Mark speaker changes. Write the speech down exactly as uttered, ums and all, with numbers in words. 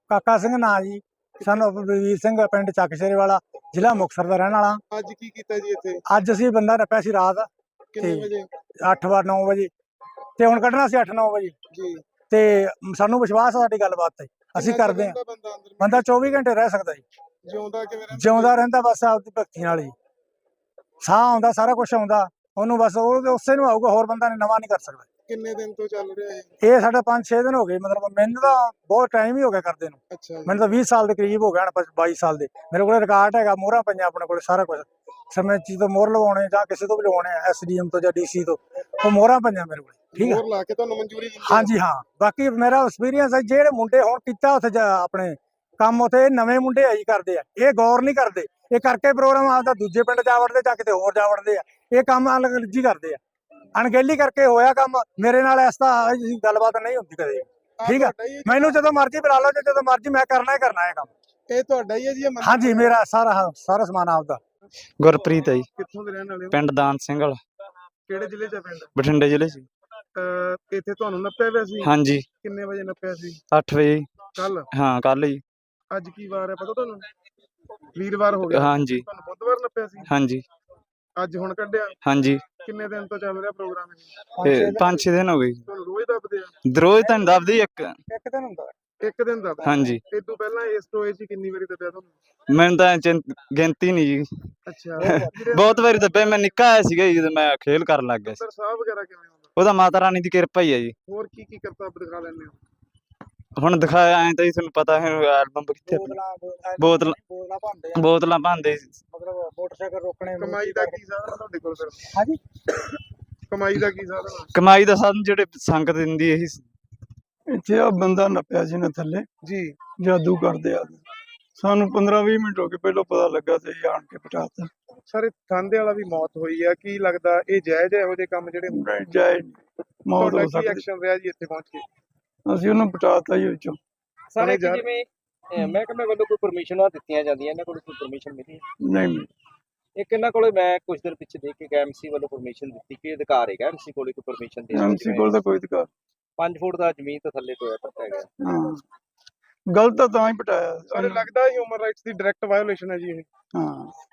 Speaker 1: ਕਾਕਾ ਸਿੰਘ ਨਾਂ ਜੀ, ਸਾਨੂੰ ਬਲਵੀਰ ਸਿੰਘ, ਪਿੰਡ ਚੱਕ ਸ਼ੇਰੇ ਵਾਲਾ, ਜ਼ਿਲ੍ਹਾ ਮੁਕਤਸਰ ਦਾ ਰਹਿਣ ਵਾਲਾ।
Speaker 2: ਅੱਜ ਕੀ ਕੀਤਾ ਜੀ ਇੱਥੇ?
Speaker 1: ਅੱਜ ਅਸੀਂ ਬੰਦਾ ਨੱਪਿਆ ਸੀ ਰਾਤ
Speaker 2: ਕਿੰਨੇ
Speaker 1: ਤੇ
Speaker 2: ਵਜੇ
Speaker 1: ਅੱਠ ਵਾਰ ਨੌ ਵਜੇ ਤੇ ਹੁਣ ਕੱਢਣਾ ਸੀ ਅੱਠ ਨੌ ਵਜੇ
Speaker 2: ਜੀ?
Speaker 1: ਤੇ ਸਾਨੂੰ ਵਿਸ਼ਵਾਸ ਆ ਸਾਡੀ ਗੱਲਬਾਤ ਤੇ, ਅਸੀਂ
Speaker 2: ਕਿੰਨਾ
Speaker 1: ਕਰਦੇ ਹਾਂ।
Speaker 2: ਚਿਰ ਬੰਦਾ ਅੰਦਰ
Speaker 1: ਬੰਦਾ ਚੌਵੀ ਘੰਟੇ ਰਹਿ ਸਕਦਾ ਜੀ,
Speaker 2: ਜਿਉਂਦਾ ਕਿਵੇਂ ਰਹਿੰਦਾ?
Speaker 1: ਜਿਉਂਦਾ ਰਹਿੰਦਾ ਬਸ ਆਪਦੀ ਭਗਤੀ ਨਾਲ ਜੀ। ਸਾਹ ਆਉਂਦਾ, ਸਾਰਾ ਕੁਝ ਆਉਂਦਾ ਉਹਨੂੰ, ਬਸ ਉਹ ਉਸੇ ਨੂੰ ਆਊਗਾ, ਹੋਰ ਬੰਦਾ ਨੇ ਨਵਾਂ ਨਹੀਂ ਕਰ ਸਕਦਾ।
Speaker 2: ਕਿੰਨੇ ਦਿਨ ਤੋਂ ਚੱਲ ਰਿਹਾ ਹੈ?
Speaker 1: ਇਹ ਸਾਡਾ ਪੰਜ ਛੇ ਦਿਨ ਹੋ ਗਏ, ਮਤਲਬ ਮੈਨੂੰ ਤਾਂ ਬਹੁਤ ਟਾਈਮ ਹੀ ਹੋ ਗਿਆ ਕਰਦੇ ਨੂੰ।
Speaker 2: ਅੱਛਾ ਜੀ।
Speaker 1: ਮੈਨੂੰ ਤਾਂ ਵੀਹ ਸਾਲ ਦੇ ਕਰੀਬ ਹੋ ਗਿਆ ਹੁਣ, ਬਾਈ ਸਾਲ ਦੇ। ਮੇਰੇ ਕੋਲ ਰਿਕਾਰਡ ਹੈਗਾ, ਮੋਹਰਾਂ ਪਈਆਂ ਆਪਣੇ ਕੋਲ, ਸਾਰਾ ਕੁਝ ਸਮੇਂ ਚੀਜ਼ ਤੋਂ ਮੋਹਰ ਲਵਾਉਣੇ ਜਾਂ ਕਿਸੇ ਤੋਂ ਵੀ ਲਵਾਉਣੇ ਆ, ਐਸ ਡੀ ਐਮ ਤੋਂ ਜਾਂ ਡੀ ਸੀ ਤੋਂ, ਉਹ ਮੋਹਰਾਂ ਪਈਆਂ ਮੇਰੇ ਕੋਲ। ਠੀਕ ਹੈ,
Speaker 2: ਮੋਹਰ ਲਾ ਕੇ ਤੁਹਾਨੂੰ ਮਨਜ਼ੂਰੀ ਦਿੰਦੇ ਆ?
Speaker 1: ਹਾਂਜੀ ਹਾਂ। ਬਾਕੀ ਮੇਰਾ ਐਕਸਪੀਰੀਅੰਸ ਹੈ, ਜਿਹੜੇ ਮੁੰਡੇ ਹੁਣ ਕੀਤਾ ਉੱਥੇ ਆਪਣੇ ਕੰਮ, ਉੱਥੇ ਨਵੇਂ ਮੁੰਡੇ ਆਈ ਕਰਦੇ ਆ, ਇਹ ਗੌਰ ਨਹੀਂ ਕਰਦੇ, ਇਹ ਕਰਕੇ ਪ੍ਰੋਗਰਾਮ ਆਪਦਾ ਦੂਜੇ ਪਿੰਡ ਜਾ ਵੜਦੇ ਜਾਂ ਕਿਤੇ ਹੋਰ ਜਾ ਵੜਦੇ ਆ। ਇਹ ਕੰਮ ਅਲਗਜੀ ਕਰਦੇ ਆ, ਅਣਗਹਿਲੀ ਕਰਕੇ ਹੋਇਆ ਕੰਮ। ਮੇਰੇ ਨਾਲ ਇਸ ਤਰ੍ਹਾਂ ਗੱਲਬਾਤ ਨਹੀਂ ਹੁੰਦੀ ਕਦੇ। ਠੀਕ ਹੈ, ਮੈਨੂੰ ਜਦੋਂ ਮਰਜ਼ੀ ਬੁਲਾ ਲਓ, ਜਦੋਂ ਮਰਜ਼ੀ ਮੈਂ ਕਰਨਾ ਹੀ ਕਰਨਾ ਹੈ ਕੰਮ।
Speaker 2: ਇਹ ਤੁਹਾਡਾ ਹੀ ਹੈ ਜੀ? ਇਹ
Speaker 1: ਹਾਂਜੀ, ਮੇਰਾ ਸਾਰਾ ਸਾਰਾ ਸਮਾਨ ਆਪਦਾ।
Speaker 3: ਗੁਰਪ੍ਰੀਤ ਹੈ ਜੀ,
Speaker 2: ਕਿੱਥੋਂ ਦੇ ਰਹਿਣ ਵਾਲੇ ਹੋ?
Speaker 3: ਪਿੰਡ ਦਾਨ ਸਿੰਘ ਵਾਲਾ,
Speaker 2: ਕਿਹੜੇ ਜ਼ਿਲ੍ਹੇ ਚ ਆ ਪਿੰਡ?
Speaker 3: ਬਠਿੰਡੇ ਜ਼ਿਲ੍ਹੇ ਚ।
Speaker 2: ਅਹ ਇੱਥੇ ਤੁਹਾਨੂੰ ਨੱਪਿਆ ਪਿਆ ਸੀ?
Speaker 3: ਹਾਂਜੀ,
Speaker 2: ਕਿੰਨੇ ਵਜੇ ਨੱਪਿਆ ਸੀ?
Speaker 3: ਅੱਠ ਵਜੇ।
Speaker 2: ਕੱਲ?
Speaker 3: ਹਾਂ, ਕੱਲ ਜੀ।
Speaker 2: ਅੱਜ ਕੀ ਵਾਰ ਹੈ ਪਤਾ ਤੁਹਾਨੂੰ? ਵੀਰਵਾਰ ਹੋ ਗਿਆ।
Speaker 3: ਹਾਂਜੀ
Speaker 2: ਤੁਹਾਨੂੰ ਬੁੱਧਵਾਰ ਨੱਪਿਆ ਸੀ?
Speaker 3: ਹਾਂਜੀ
Speaker 2: ਅੱਜ ਹੁਣ ਕੱਢਿਆ?
Speaker 3: ਹਾਂਜੀ,
Speaker 2: ਕਿੰਨੇ ਦਿਨ ਤੋਂ ਚੱਲ ਰਿਹਾ ਪ੍ਰੋਗਰਾਮ ਇਹ?
Speaker 3: ਤੇ ਪੰਜ ਛੇ ਦਿਨ ਹੋ ਗਏ।
Speaker 2: ਤੁਹਾਨੂੰ ਰੋਜ਼ ਦੱਬਦੇ ਆ?
Speaker 3: ਰੋਜ਼ ਤਾਂ ਨੀ ਦੱਬਦੀ, ਇੱਕ
Speaker 1: ਇੱਕ ਦਿਨ ਹੁੰਦਾ
Speaker 2: ਇੱਕ ਦਿਨ ਦੱਬਦੇ?
Speaker 3: ਹਾਂਜੀ।
Speaker 2: ਇਹ ਤੋਂ ਪਹਿਲਾਂ ਇਸ ਟੋਏ 'ਚ ਕਿੰਨੀ ਵਾਰੀ ਦੱਬਿਆ ਤੁਹਾਨੂੰ?
Speaker 3: ਮੈਨੂੰ ਤਾਂ ਚਿੰ- ਗਿਣਤੀ ਨਹੀਂ ਜੀ,
Speaker 2: ਅੱਛਾ।
Speaker 3: ਬਹੁਤ ਵਾਰੀ ਦੱਬਿਆ। ਮੈਂ ਨਿੱਕਾ ਆਇਆ ਸੀਗਾ ਜੀ, ਜਦੋਂ ਮੈਂ ਖੇਲ ਕਰਨ ਲੱਗ ਗਿਆ ਸੀ।
Speaker 2: ਸਰ ਸਾਹ ਵਗੈਰਾ ਕਿਵੇਂ ਹੁੰਦਾ?
Speaker 3: ਉਹਦਾ ਮਾਤਾ ਰਾਣੀ ਦੀ ਕਿਰਪਾ ਹੀ ਹੈ ਜੀ।
Speaker 2: ਹੋਰ ਕੀ ਕੀ ਕਰਤੱਵ ਦਿਖਾ ਲੈਂਦੇ ਹੋ?
Speaker 3: ਹੁਣ ਦਿਖਾਇਆ ਐਂ ਤਾਂ ਜੀ, ਤੁਹਾਨੂੰ ਪਤਾ ਹੈ ਐਲਬਮ ਕਿੱਥੇ ਆਪਣੀ। ਬੋਤਲਾਂ
Speaker 1: ਬੋਤਲਾਂ ਭੰਦੇ ਆ,
Speaker 3: ਬੋਤਲਾਂ ਭਾਂਦੇ।
Speaker 1: ਮਤਲਬ ਮੋਟਰਸਾਈਕਲ ਰੋਕਣੇ।
Speaker 2: ਕਮਾਈ ਦਾ ਕੀ ਸਾਧਨ ਆ ਤੁਹਾਡੇ ਕੋਲ ਫਿਰ?
Speaker 1: ਹਾਂਜੀ,
Speaker 2: ਕਮਾਈ ਦਾ ਕੀ ਸਾਧਨ ਆ?
Speaker 3: ਕਮਾਈ ਦਾ ਸਾਧਨ ਜਿਹੜੇ ਸੰਗਤ ਦਿੰਦੀ ਇਹੀ।
Speaker 4: ਇੱਥੇ ਆ ਬੰਦਾ ਨੱਪਿਆ ਸੀ ਨਾ ਥੱਲੇ,
Speaker 2: ਜੀ।
Speaker 4: ਜਾਦੂ ਕਰਦੇ ਆ। ਸਾਨੂੰ ਪੰਦਰਾਂ ਵੀਹ ਮਿੰਟ ਹੋ ਗਏ, ਪਹਿਲਾਂ ਪਤਾ ਲੱਗਾ ਤੇ ਇਹ ਆਣ ਕੇ ਪਟਾਤਾ।
Speaker 2: ਸਰ ਥਾਂਦੇ ਵਾਲਾ ਵੀ ਮੌਤ ਹੋਈ ਆ, ਕੀ ਲੱਗਦਾ ਇਹ ਜਾਇਜ਼ ਹੈ ਇਹੋ ਜਿਹੇ ਕੰਮ ਜਿਹੜੇ ਹੁੰਦੇ?
Speaker 4: ਨਹੀਂ ਜਾਏ, ਮੌਤ
Speaker 2: ਤੁਹਾਡਾ
Speaker 4: ਹੋ
Speaker 2: ਕੀ
Speaker 4: ਸਕਦੀ।
Speaker 2: ਐਕਸ਼ਨ ਰਿਹਾ ਜੀ ਇੱਥੇ ਪਹੁੰਚ ਕੇ?
Speaker 4: ਅਸੀਂ ਉਹਨੂੰ ਪਟਾਤਾ ਹੀ ਵਿੱਚੋਂ।
Speaker 5: ਸਾਰੇ
Speaker 2: ਯਾਰ-
Speaker 5: ਜਿਵੇਂ ਅਹ ਮਹਿਕਮੇ ਵੱਲੋਂ ਕੋਈ ਪਰਮਿਸ਼ਨਾਂ ਦਿੱਤੀਆਂ ਜਾਂਦੀਆਂ, ਇਹਨਾਂ ਕੋਲ ਕੋਈ ਪਰਮਿਸ਼ਨ ਮਿਲੀ ਹੈ?
Speaker 4: ਨਹੀਂ ਮਿਲੀ।
Speaker 5: ਇੱਕ ਇਹਨਾਂ ਕੋਲੇ ਮੈਂ ਕੁਝ ਦਿਨ ਪਿੱਛੇ ਦੇਖ ਕੇ ਗਿਆ, ਐਮਸੀ ਵੱਲੋਂ ਪਰਮਿਸ਼ਨ ਦਿੱਤੀ ਕਿ ਅਧਿਕਾਰ ਹੈਗਾ ਐਮਸੀ ਕੋਲੇ ਕੋਈ ਪਰਮਿਸ਼ਨ ਦੇ
Speaker 4: ਐਮਸੀ ਕੋਲ ਤਾਂ ਕੋਈ ਅਧਿਕਾਰ।
Speaker 5: ਪੰਜ ਫੁੱਟ ਦਾ ਜ਼ਮੀਨ ਤੋਂ ਥੱਲੇ ਟੋਇਆ ਪੱਟਿਆ ਗਿਆ।
Speaker 4: ਹਾਂ, ਗਲਤ ਤਾਂ ਤਾਂ ਹੀ ਪਟਾਇਆ।
Speaker 2: ਸਰ ਲੱਗਦਾ ਹਿਊਮਨ ਰਾਈਟਸ ਦੀ ਡਾਇਰੈਕਟ ਵਾਇਓਲੇਸ਼ਨ ਹੈ ਜੀ ਇਹ?
Speaker 4: ਹਾਂ।